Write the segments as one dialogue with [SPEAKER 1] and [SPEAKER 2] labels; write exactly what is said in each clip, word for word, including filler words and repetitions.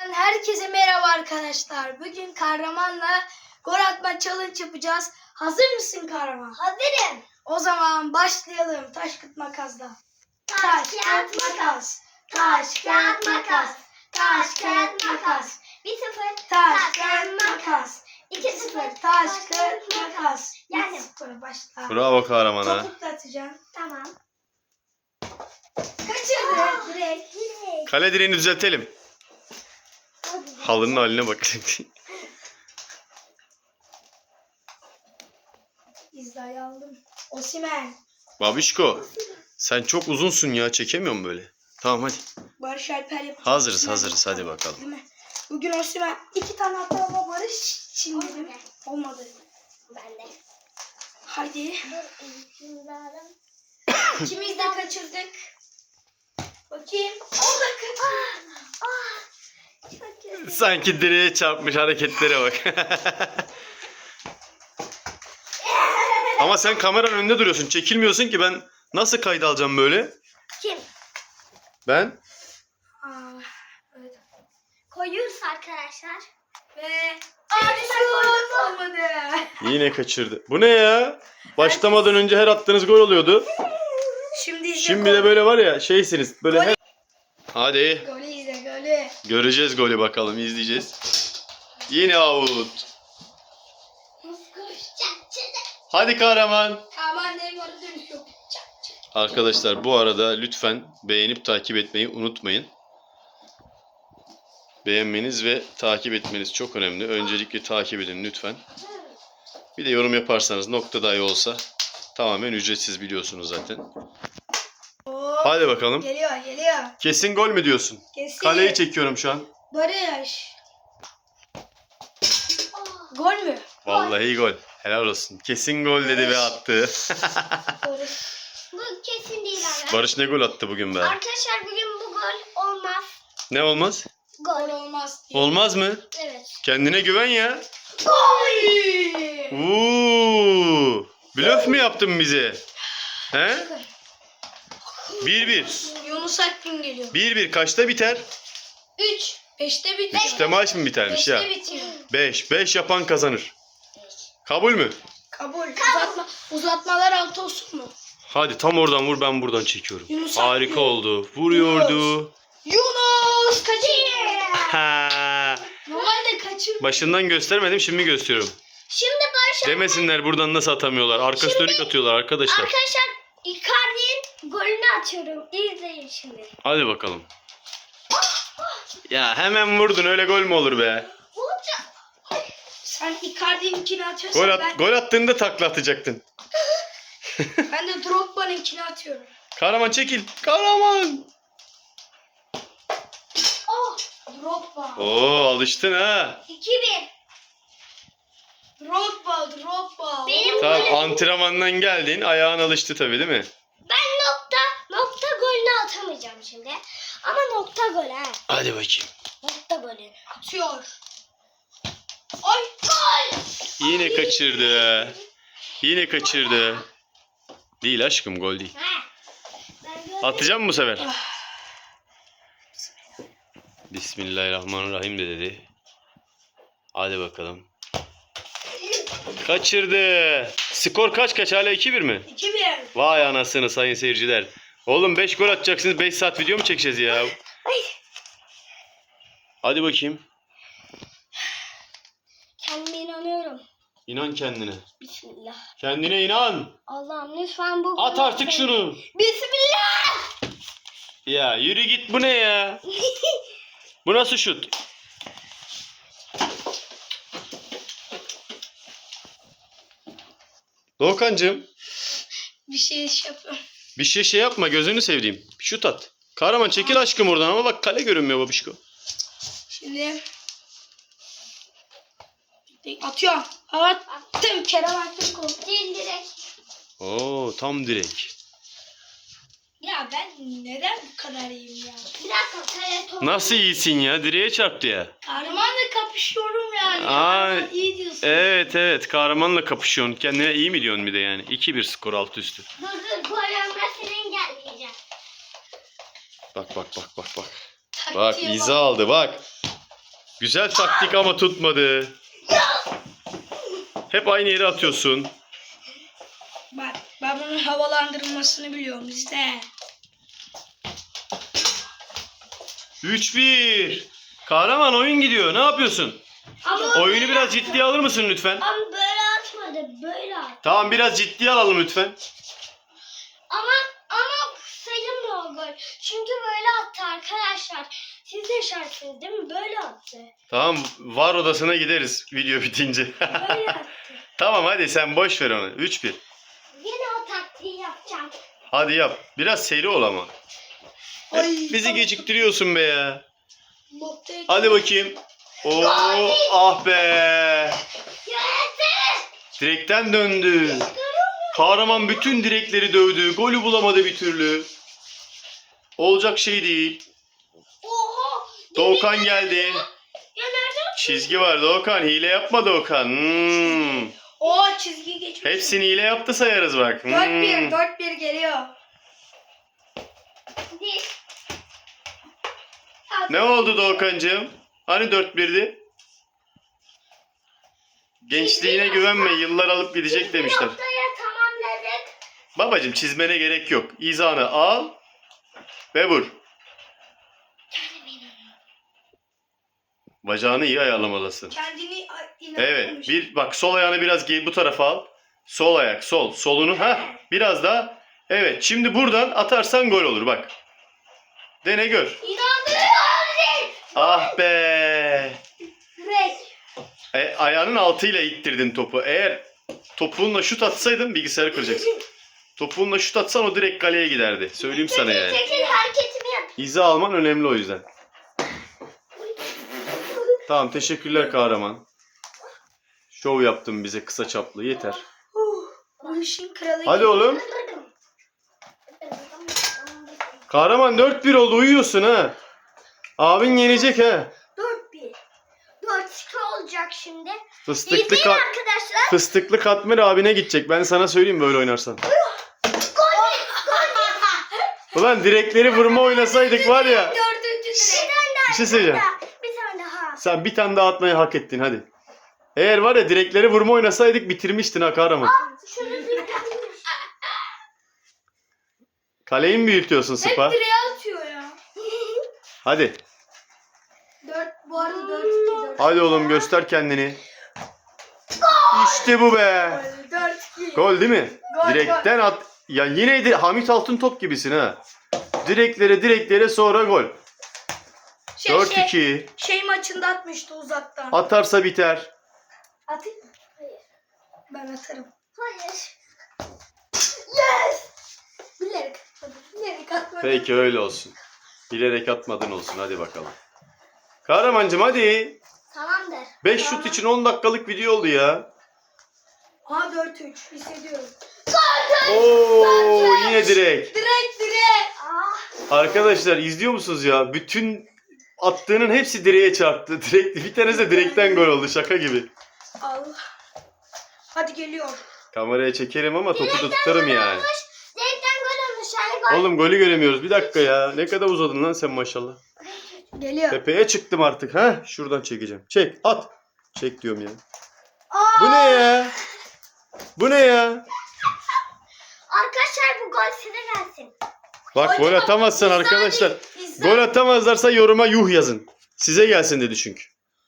[SPEAKER 1] Herkese merhaba arkadaşlar. Bugün Kahraman'la gol atma challenge yapacağız. Hazır mısın Kahraman?
[SPEAKER 2] Hazırım.
[SPEAKER 1] O zaman başlayalım. Taş kağıt makasla.
[SPEAKER 2] Taş, kağıt, makas. Taş, kağıt, makas. Taş, kağıt, makas. bir sıfır.
[SPEAKER 1] Taş kağıt makas.
[SPEAKER 2] iki
[SPEAKER 1] iki
[SPEAKER 2] sıfır.
[SPEAKER 1] sıfır. Taş kağıt makas.
[SPEAKER 2] Yani.
[SPEAKER 1] bir sıfır başla.
[SPEAKER 3] Bravo kahramana.
[SPEAKER 1] Topukla atacaksın.
[SPEAKER 2] Tamam.
[SPEAKER 1] Kaçırdı direkt.
[SPEAKER 2] Direkt.
[SPEAKER 3] Kale direğini düzeltelim. Halının haline bak.
[SPEAKER 1] İzdayı aldım. Osimhen.
[SPEAKER 3] Babişko, sen çok uzunsun ya, çekemiyorum böyle. Tamam hadi.
[SPEAKER 1] Barış Alper yapacak.
[SPEAKER 3] Hazırız,
[SPEAKER 1] Osimhen
[SPEAKER 3] hazırız, hadi
[SPEAKER 1] yapacak,
[SPEAKER 3] bakalım.
[SPEAKER 1] değil mi? Bugün Osimhen iki tane attı ama Barış şimdi
[SPEAKER 2] Olmadı.
[SPEAKER 1] olmadı.
[SPEAKER 2] Ben de.
[SPEAKER 1] Haydi.
[SPEAKER 2] Dur. İmzalarım.
[SPEAKER 1] İkimiz de kaçırdık. Bakayım. O da kaçırdı.
[SPEAKER 2] Ah. Çok kötü.
[SPEAKER 3] Sanki direğe çarpmış, hareketlere bak. Ama sen kameranın önünde duruyorsun, çekilmiyorsun ki, ben nasıl kayda alacağım böyle?
[SPEAKER 2] Kim?
[SPEAKER 3] Ben?
[SPEAKER 1] Aa, evet.
[SPEAKER 2] Koyuyoruz arkadaşlar.
[SPEAKER 1] Ve
[SPEAKER 2] Abi
[SPEAKER 1] şut olmadı.
[SPEAKER 3] Yine kaçırdı. Bu ne ya? Başlamadan önce her attığınız gol oluyordu.
[SPEAKER 1] Şimdi izle.
[SPEAKER 3] Şimdi de böyle var ya, şeysiniz böyle her... Hadi.
[SPEAKER 1] Golü izle golü.
[SPEAKER 3] Göreceğiz golü, bakalım izleyeceğiz. Yine out. Hadi kahraman.
[SPEAKER 1] Aman Neymar'ı dönüşüyor. Çak çak.
[SPEAKER 3] Arkadaşlar bu arada lütfen beğenip takip etmeyi unutmayın. Beğenmeniz ve takip etmeniz çok önemli. Öncelikle takip edin lütfen. Bir de yorum yaparsanız, nokta dahi olsa, tamamen ücretsiz, biliyorsunuz zaten.
[SPEAKER 1] Hop.
[SPEAKER 3] Hadi bakalım.
[SPEAKER 1] Geliyor geliyor.
[SPEAKER 3] Kesin gol mü diyorsun?
[SPEAKER 1] Kesin.
[SPEAKER 3] Kaleyi çekiyorum şu an.
[SPEAKER 1] Barış. Gol mü?
[SPEAKER 3] Vallahi gol. Helal olsun. Kesin gol dedi ve attı.
[SPEAKER 1] Barış.
[SPEAKER 2] Bu kesin değil arkadaşlar.
[SPEAKER 3] Barış ne gol attı bugün be?
[SPEAKER 2] Arkadaşlar bugün bu gol olmaz.
[SPEAKER 3] Ne olmaz?
[SPEAKER 1] Gol
[SPEAKER 2] Gol.
[SPEAKER 1] olmaz diye.
[SPEAKER 3] Olmaz mı?
[SPEAKER 2] Evet.
[SPEAKER 3] Kendine güven ya.
[SPEAKER 1] Gol.
[SPEAKER 3] Uuu. Blöf mü yaptın bize? He? bir bir.
[SPEAKER 1] Yunus Akgün geliyor.
[SPEAKER 3] bir bir kaçta biter?
[SPEAKER 1] üç. beşte bitiyor.
[SPEAKER 3] üçte maç mı bitermiş ya?
[SPEAKER 1] beşte bitiyor.
[SPEAKER 3] beş. beş yapan kazanır. Kabul mü?
[SPEAKER 1] Kabul. Uzatma, uzatmalar altı olsun mu?
[SPEAKER 3] Hadi tam oradan vur, ben buradan çekiyorum.
[SPEAKER 1] Yunus
[SPEAKER 3] Harika
[SPEAKER 1] Akgün.
[SPEAKER 3] oldu. Vuruyordu.
[SPEAKER 1] Yunus kaçır.
[SPEAKER 3] Ha.
[SPEAKER 1] Normalde kaçır.
[SPEAKER 3] Başından göstermedim, şimdi gösteriyorum.
[SPEAKER 2] Şimdi Barış
[SPEAKER 3] Demesinler buradan nasıl atamıyorlar. Arkası dönük atıyorlar arkadaşlar.
[SPEAKER 2] Arkadaşlar Icardi'nin golünü atıyorum. İzleyin şimdi.
[SPEAKER 3] Hadi bakalım. Ya hemen vurdun, öyle gol mü olur be?
[SPEAKER 2] Olacak.
[SPEAKER 1] Sen Icardi'ninkini atıyorsan
[SPEAKER 3] Gol, at,
[SPEAKER 1] ben,
[SPEAKER 3] gol attığında takla atacaktın.
[SPEAKER 1] ben de Drogba'nınkini atıyorum.
[SPEAKER 3] Kahraman çekil. Kahraman.
[SPEAKER 1] Oh! Drogba.
[SPEAKER 3] Oo, alıştın ha.
[SPEAKER 2] iki bir.
[SPEAKER 1] Drogba, Drogba.
[SPEAKER 2] Benim
[SPEAKER 3] Tamam,
[SPEAKER 2] golüm.
[SPEAKER 3] antrenmandan geldin, ayağın alıştı tabii, değil mi?
[SPEAKER 2] Ben nokta nokta golünü atamayacağım şimdi. Ama nokta gol ha.
[SPEAKER 3] Hadi bakayım.
[SPEAKER 2] Nokta golü.
[SPEAKER 1] Atıyor. Ay! Gol!
[SPEAKER 3] Yine kaçırdı. Yine kaçırdı. Değil aşkım, gol değil.
[SPEAKER 2] Ha. Ben gördüm.
[SPEAKER 3] Atacağım mı bu sefer? Bismillahirrahmanirrahim de dedi. Hadi bakalım. Kaçırdı. Skor kaç kaç, hala iki bir mi?
[SPEAKER 1] iki bir.
[SPEAKER 3] Vay anasını sayın seyirciler. Oğlum beş gol atacaksınız, beş saat video mu çekeceğiz ya?
[SPEAKER 2] Ay.
[SPEAKER 3] Hadi bakayım.
[SPEAKER 2] Kendime inanıyorum.
[SPEAKER 3] İnan kendine.
[SPEAKER 2] Bismillah.
[SPEAKER 3] Kendine inan.
[SPEAKER 2] Allah'ım lütfen bu
[SPEAKER 3] At
[SPEAKER 2] golü
[SPEAKER 3] artık
[SPEAKER 2] atayım.
[SPEAKER 3] şunu.
[SPEAKER 2] Bismillah.
[SPEAKER 3] Ya yürü git, bu ne ya? Bu nasıl şut? Doğukancığım,
[SPEAKER 1] Bir şey iş yapıyorum.
[SPEAKER 3] bir şey şey yapma, gözünü sevdiğim. Şut at. Kahraman çekil aşkım oradan, ama bak kale görünmüyor babişko.
[SPEAKER 1] Şimdi atıyorum. Attım. Kerem Aktürkoğlu.
[SPEAKER 2] Değil direkt.
[SPEAKER 3] Oo, tam direk.
[SPEAKER 1] Ya ben neden bu kadar iyiyim ya?
[SPEAKER 2] Bir dakika kale top.
[SPEAKER 3] Nasıl iyisin ya? Direğe çarptı ya.
[SPEAKER 1] Kahramanla kapışıyorum yani.
[SPEAKER 3] Aa,
[SPEAKER 1] Ya, iyi diyorsun.
[SPEAKER 3] Evet evet, kahramanla kapışıyorsun. Kendine iyi mi diyorsun bir de yani? iki bir skor, alt üstü.
[SPEAKER 2] Dur dur gol olmasını engelleyeceğim.
[SPEAKER 3] Bak bak bak bak bak.
[SPEAKER 1] Taktiğe
[SPEAKER 3] Bak
[SPEAKER 1] bak.
[SPEAKER 3] iza aldı bak. Güzel taktik ama tutmadı. Hep aynı yere atıyorsun.
[SPEAKER 1] Bak ben bunun havalandırılmasını biliyorum işte.
[SPEAKER 3] üç bir. Kahraman oyun gidiyor. Ne yapıyorsun?
[SPEAKER 2] Ama
[SPEAKER 3] Oyunu biraz ciddiye alır mısın lütfen?
[SPEAKER 2] Ama böyle atmadı. Böyle at.
[SPEAKER 3] Tamam biraz ciddiye alalım lütfen.
[SPEAKER 2] Ama ama sayılmıyor o gol. Çünkü böyle attı arkadaşlar. Siz de yaşarsınız değil mi? Böyle attı.
[SPEAKER 3] Tamam var odasına gideriz video bitince.
[SPEAKER 2] Böyle attı.
[SPEAKER 3] Tamam hadi sen boş ver onu. üç bir.
[SPEAKER 2] Yine o taktiği yapacağım.
[SPEAKER 3] Hadi yap. Biraz seri ol ama. Hep
[SPEAKER 1] Ay,
[SPEAKER 3] bizi
[SPEAKER 1] tamam.
[SPEAKER 3] geciktiriyorsun be ya.
[SPEAKER 1] Noktayı-
[SPEAKER 3] Hadi bakayım. Oo, ah be.
[SPEAKER 2] Yönetim!
[SPEAKER 3] Direkten döndü. Kahraman bütün direkleri dövdü. Golü bulamadı bir türlü. Olacak şey değil.
[SPEAKER 2] Oha!
[SPEAKER 3] Doğukan geldi.
[SPEAKER 2] Ya nereden?
[SPEAKER 3] Çizgi var Doğukan. Hile yapma Doğukan. Hmm.
[SPEAKER 1] Oo çizgi geçmiş.
[SPEAKER 3] Hepsini hile yaptı sayarız bak. Hmm.
[SPEAKER 1] dört bir dört bir geliyor.
[SPEAKER 2] Değil.
[SPEAKER 3] Ne oldu Doğukancığım? Hani dört birdi? Gençliğine güvenme. Yıllar alıp gidecek demişler.
[SPEAKER 2] Noktaya tamamladık.
[SPEAKER 3] Babacım çizmene gerek yok. İzanı al ve vur. Bacağını iyi ayarlamalısın.
[SPEAKER 1] Kendini a-
[SPEAKER 3] Evet.
[SPEAKER 1] inanmamış.
[SPEAKER 3] Bir bak sol ayağını biraz ge- bu tarafa al. Sol ayak, sol. Solunu ha biraz daha. Evet. Şimdi buradan atarsan gol olur bak. Dene gör.
[SPEAKER 2] İnanmıyorum.
[SPEAKER 3] Ah be.
[SPEAKER 2] Ve
[SPEAKER 3] E, ayağının altıyla ittirdin topu. Eğer topuğunla şut atsaydın bilgisayarı kıracaksın. Topuğunla şut atsan o direkt kaleye giderdi. Söyleyeyim sana yani.
[SPEAKER 2] çekil hareketimi yap.
[SPEAKER 3] İza alman önemli o yüzden. Tamam teşekkürler kahraman. Şov yaptın bize kısa çaplı yeter.
[SPEAKER 1] Huh, bu işin kralı.
[SPEAKER 3] Hadi oğlum. Kahraman dört bir oldu uyuyorsun ha. Abin yenecek ha.
[SPEAKER 2] dört bir. dört iki olacak şimdi.
[SPEAKER 3] Fıstıklı,
[SPEAKER 2] İzleyin
[SPEAKER 3] ka-
[SPEAKER 2] arkadaşlar.
[SPEAKER 3] fıstıklı katmer abine gidecek. Ben sana söyleyeyim böyle oynarsan. Ulan direkleri vurma oynasaydık var ya.
[SPEAKER 1] Dördüncü
[SPEAKER 2] Bir
[SPEAKER 1] direk.
[SPEAKER 2] tane daha.
[SPEAKER 3] Bir şey söyleyeceğim.
[SPEAKER 2] Bir tane daha.
[SPEAKER 3] Sen bir tane daha atmayı hak ettin hadi. Eğer var ya direkleri vurma oynasaydık bitirmiştin ha kahraman.
[SPEAKER 2] Şunu bir
[SPEAKER 3] Kaleyi mi büyütüyorsun Sıpa?
[SPEAKER 1] Hep direğe atıyor ya.
[SPEAKER 3] Hadi.
[SPEAKER 1] Dört, bu arada dört iki dört.
[SPEAKER 3] Hadi oğlum göster kendini. İşte bu be.
[SPEAKER 1] dört iki.
[SPEAKER 3] Gol değil mi?
[SPEAKER 1] Gol,
[SPEAKER 3] Direkten at. Ya yine de Hamit Altıntop gibisin ha. Direklere direklere sonra gol.
[SPEAKER 1] Şey,
[SPEAKER 3] dört
[SPEAKER 1] şey,
[SPEAKER 3] iki.
[SPEAKER 1] şey maçında atmıştı uzaktan.
[SPEAKER 3] Atarsa biter.
[SPEAKER 1] Atayım mı? Ben atarım.
[SPEAKER 2] Hayır.
[SPEAKER 1] Yes! Bilerek atmadım. Bilerek atmadım.
[SPEAKER 3] Peki öyle olsun. Bilerek atmadın olsun hadi bakalım. Kahramancığım hadi.
[SPEAKER 2] Tamamdır.
[SPEAKER 3] beş şut için on dakikalık video oldu ya.
[SPEAKER 1] Aha dört üç hissediyorum.
[SPEAKER 3] Oo yine direk.
[SPEAKER 1] Direkt direkt.
[SPEAKER 2] Ah.
[SPEAKER 3] Arkadaşlar izliyor musunuz ya? Bütün attığının hepsi direğe çarptı. Direkt, bir tanesi de direkten gol oldu şaka gibi.
[SPEAKER 1] Allah. Hadi geliyor.
[SPEAKER 3] Kameraya çekerim ama topu da tutarım yani.
[SPEAKER 2] Direkten gol olmuş. Yani gol.
[SPEAKER 3] Oğlum golü göremiyoruz. Bir dakika ya. Ne kadar uzadın lan sen maşallah.
[SPEAKER 1] Geliyor.
[SPEAKER 3] Tepeye çıktım artık. ha? Şuradan çekeceğim. Çek at. Çek diyorum ya.
[SPEAKER 1] Aa!
[SPEAKER 3] Bu ne ya? Bu ne ya?
[SPEAKER 2] Arkadaşlar bu gol size gelsin.
[SPEAKER 3] Bak
[SPEAKER 1] Hadi
[SPEAKER 3] gol
[SPEAKER 1] bak,
[SPEAKER 3] atamazsan
[SPEAKER 1] izle
[SPEAKER 3] arkadaşlar.
[SPEAKER 1] hadi, izle.
[SPEAKER 3] Gol atamazlarsa yoruma yuh yazın. Size gelsin dedi çünkü.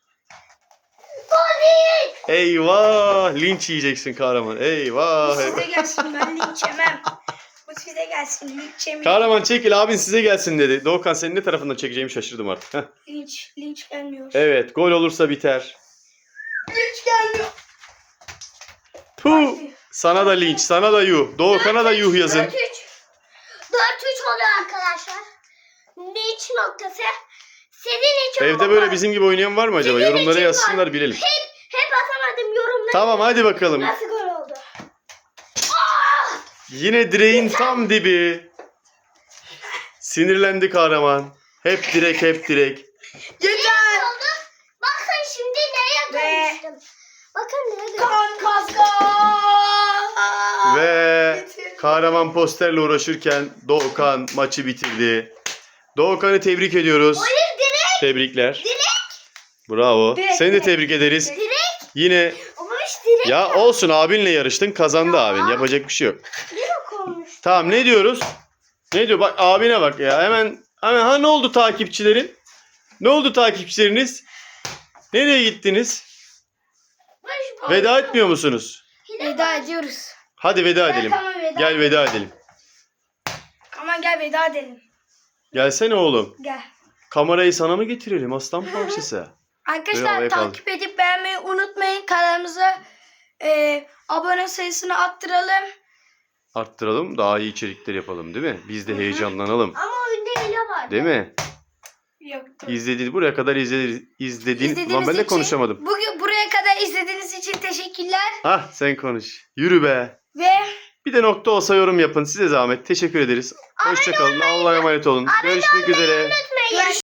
[SPEAKER 2] Gol değil.
[SPEAKER 3] Eyvah. Linç yiyeceksin kahraman. Eyvah.
[SPEAKER 1] Bu
[SPEAKER 3] eyvah.
[SPEAKER 1] size gelsin ben linç yemem. Bu size gelsin linç yemem.
[SPEAKER 3] Kahraman çekil abin size gelsin dedi. Doğukan senin ne tarafından çekeceğimi şaşırdım artık. Heh.
[SPEAKER 1] Linç, linç gelmiyor.
[SPEAKER 3] Evet gol olursa biter.
[SPEAKER 1] Linç gelmiyor.
[SPEAKER 3] Puh. Sana da linç, sana da yuh. Doğukan'a da yuh yazın.
[SPEAKER 2] dört üç. dört üç oluyor arkadaşlar. Linç noktası. Sizin için
[SPEAKER 3] Evde
[SPEAKER 2] bu
[SPEAKER 3] böyle
[SPEAKER 2] gol.
[SPEAKER 3] bizim gibi oynayan var mı acaba?
[SPEAKER 2] Sizin
[SPEAKER 3] Yorumlara
[SPEAKER 2] için
[SPEAKER 3] yazsınlar bilelim.
[SPEAKER 2] Hep, hep atamadım yorumları.
[SPEAKER 3] Tamam hadi bakalım.
[SPEAKER 2] Nasıl gol oldu?
[SPEAKER 3] Yine direğin tam dibi. Sinirlendi kahraman. Hep direk, hep direk.
[SPEAKER 1] Yeter.
[SPEAKER 2] Oldu. Bakın şimdi neye
[SPEAKER 1] Ve-
[SPEAKER 2] dönüştüm. Bakın neye dönüştüm.
[SPEAKER 1] Kan kaska.
[SPEAKER 3] Ve
[SPEAKER 1] Bitir.
[SPEAKER 3] kahraman posterle uğraşırken Doğukan maçı bitirdi. Doğukan'ı tebrik ediyoruz.
[SPEAKER 2] Hayır direkt.
[SPEAKER 3] Tebrikler. Bravo.
[SPEAKER 1] Direkt,
[SPEAKER 3] Seni de
[SPEAKER 1] direkt.
[SPEAKER 3] tebrik ederiz.
[SPEAKER 2] Direkt.
[SPEAKER 3] Yine
[SPEAKER 2] Ama işte direkt
[SPEAKER 3] ya olsun, abinle yarıştın, kazandı abin. Yapacak bir şey yok.
[SPEAKER 2] yok olmuş.
[SPEAKER 3] Tamam, ne diyoruz? Ne diyor? Bak abine bak ya. Hemen hemen ha, ne oldu takipçilerin? Ne oldu takipçileriniz? Nereye gittiniz? Veda etmiyor musunuz?
[SPEAKER 1] Veda ediyoruz.
[SPEAKER 3] Hadi veda edelim.
[SPEAKER 1] Tamam, veda
[SPEAKER 3] Gel veda edelim.
[SPEAKER 1] Aman gel veda edelim.
[SPEAKER 3] Gelsene oğlum.
[SPEAKER 1] Gel.
[SPEAKER 3] Kamerayı sana mı getirelim aslan parçası? Böyle
[SPEAKER 1] Arkadaşlar
[SPEAKER 3] havaya kaldır.
[SPEAKER 1] takip edip beğenmeyi unutmayın. Kanalımıza e, abone sayısını arttıralım.
[SPEAKER 3] Arttıralım, daha iyi içerikler yapalım değil mi? Biz de heyecanlanalım.
[SPEAKER 2] Ama oyunda hile var.
[SPEAKER 3] Değil mi?
[SPEAKER 1] Yoktu.
[SPEAKER 3] İzlediğiniz buraya kadar izlediğiniz izlediğin Lan
[SPEAKER 1] İzlediğiniz
[SPEAKER 3] ben de
[SPEAKER 1] için-
[SPEAKER 3] konuşamadım.
[SPEAKER 1] Bugün buraya kadar izlediğiniz için teşekkürler.
[SPEAKER 3] Hah, sen konuş. Yürü be.
[SPEAKER 1] Ve
[SPEAKER 3] Bir de nokta olsa yorum yapın. Size zahmet. Teşekkür ederiz. Hoşça kalın. Allah'a emanet olun. Görüşmek üzere.
[SPEAKER 2] Unutmayın.
[SPEAKER 1] görüşürüz.